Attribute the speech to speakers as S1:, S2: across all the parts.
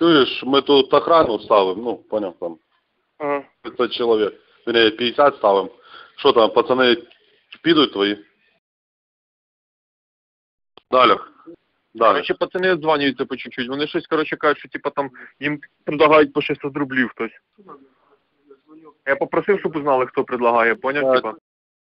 S1: Чуєш, ми тут охрану ставимо, ну, поняв, там,
S2: Ага.
S1: 500 чоловік, вернее, 50 ставимо. Що там, пацани підуть твої? Далі. Далі.
S2: Короче, пацани дзвонюються по чуть-чуть. Вони щось, короче, кажуть, що типа там їм предлагають по 600 рублів хтось. Я попросив, щоб узнали, хто предлагає, поняв,
S1: Так.
S2: типа?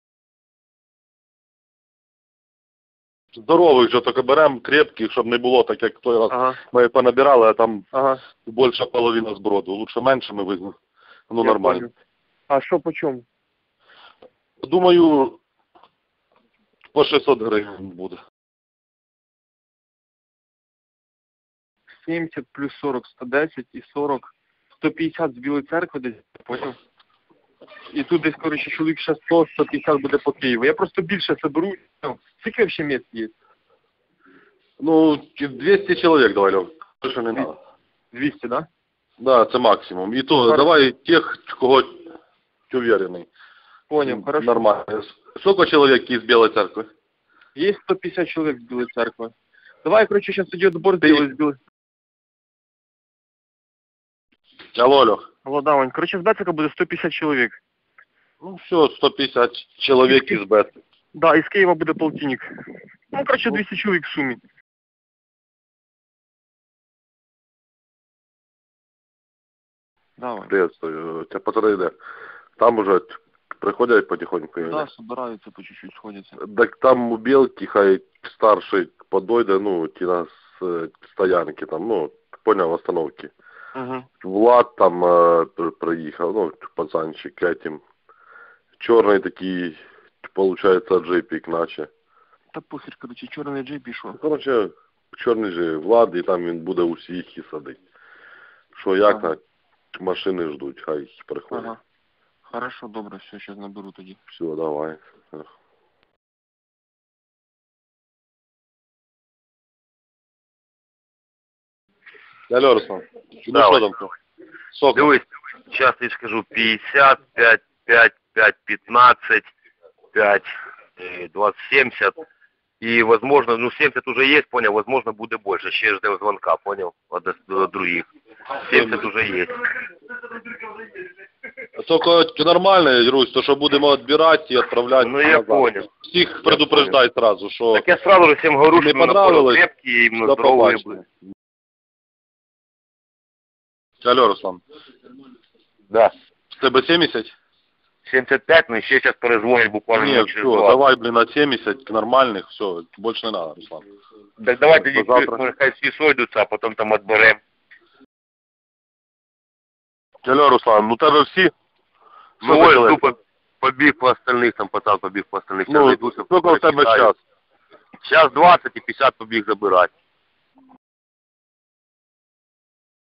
S1: Здорових же тільки беремо, крепких, щоб не було так, як той раз.
S2: Ага.
S1: Ми понабирали, а там
S2: Ага.
S1: більша половина зброду. Лучше менше ми візьмемо. Ну,
S2: Я
S1: нормально.
S2: понял. А що по чому?
S1: Думаю, по 600 гривень буде.
S2: 70 плюс 40, 110 і 40. 150 з Білої церкви десь, поняв? І тут десь, коротше, чоловік ще 100, 150 буде по Києву. Я просто більше соберу. Ну, скільки взагалі місць є?
S1: Ну, 200 чоловік давай, Льов. Більше не треба.
S2: 200, да?
S1: Да, це максимум. І то,
S2: Хорошо.
S1: давай тих, кого ти уверений.
S2: Понял, хорошо.
S1: Нормально. Сколько чоловік із Білої церкви?
S2: Є 150 чоловік з Білої церкви. Давай, коротше, зараз тоді отбор зробили з Білої.
S1: Алло, Льох.
S2: Алло, да, Вань. Коротше, з Бецика буде 150 чоловік.
S1: Ну все, 150 чоловік із БЕТ.
S2: Да, із Києва буде полтинник. Ну, коротше, 200 чоловік в сумі. Давай.
S1: Приветствую. Тебя пацаны, да. Там уже приходять потихоньку.
S2: Да, собираються по чуть-чуть, сходяться.
S1: Так там у Белки, хай старший подойде, ну, ті на стоянки там, ну, понял, остановки.
S2: Угу.
S1: Влад там приїхав, ну, пацанчик этим. Чорний такий, получается, джипік, наче.
S2: Та похер, коротше, чорний джей пішов.
S1: Короче, чорний же Влад, і там він буде усіх і садить. Що, як
S2: Ага.
S1: на машини ждуть, хай приходять.
S2: Ага. Хорошо, добре, все, зараз наберу тоді.
S1: Все, давай. Алло, Руслан. Ну
S3: Да,
S1: що
S3: Вань.
S1: там? Сколько?
S3: Дивись, сейчас я скажу 50, 5, 5, 5, 15, 5, 20, 70. И, возможно, ну 70 уже есть, понял, возможно, будет больше. Еще ждем звонка, понял, от других. 70 уже есть.
S1: Только нормально, Русь, то, що будемо відбирати і відправляти.
S3: Ну, я
S1: назад.
S3: понял.
S1: Всіх предупреждай сразу, що
S3: Так я сразу же всем говорю,
S1: не
S3: что именно
S1: понравилось,
S3: крепкие, именно
S1: до
S3: здоровые
S1: побачення.
S3: были.
S1: Алло, Руслан.
S3: Да.
S1: З тебе 70?
S3: 75, но еще сейчас перезвонить буквально
S1: Нет,
S3: минут
S1: все,
S3: через 20.
S1: давай, блин, от 70 нормальных, все, больше не надо, Руслан.
S3: Так давайте
S1: До завтра.
S3: может, хай всі сойдуться, а потом там отберем.
S1: Алло, Руслан, ну тебе всі?
S3: Ну,
S1: Сколько
S3: ой,
S1: человек?
S3: тупо побіг по остальных, там пацан побіг по остальных.
S1: Ну, сколько у тебе час?
S3: Сейчас 20 и 50 побіг забирать.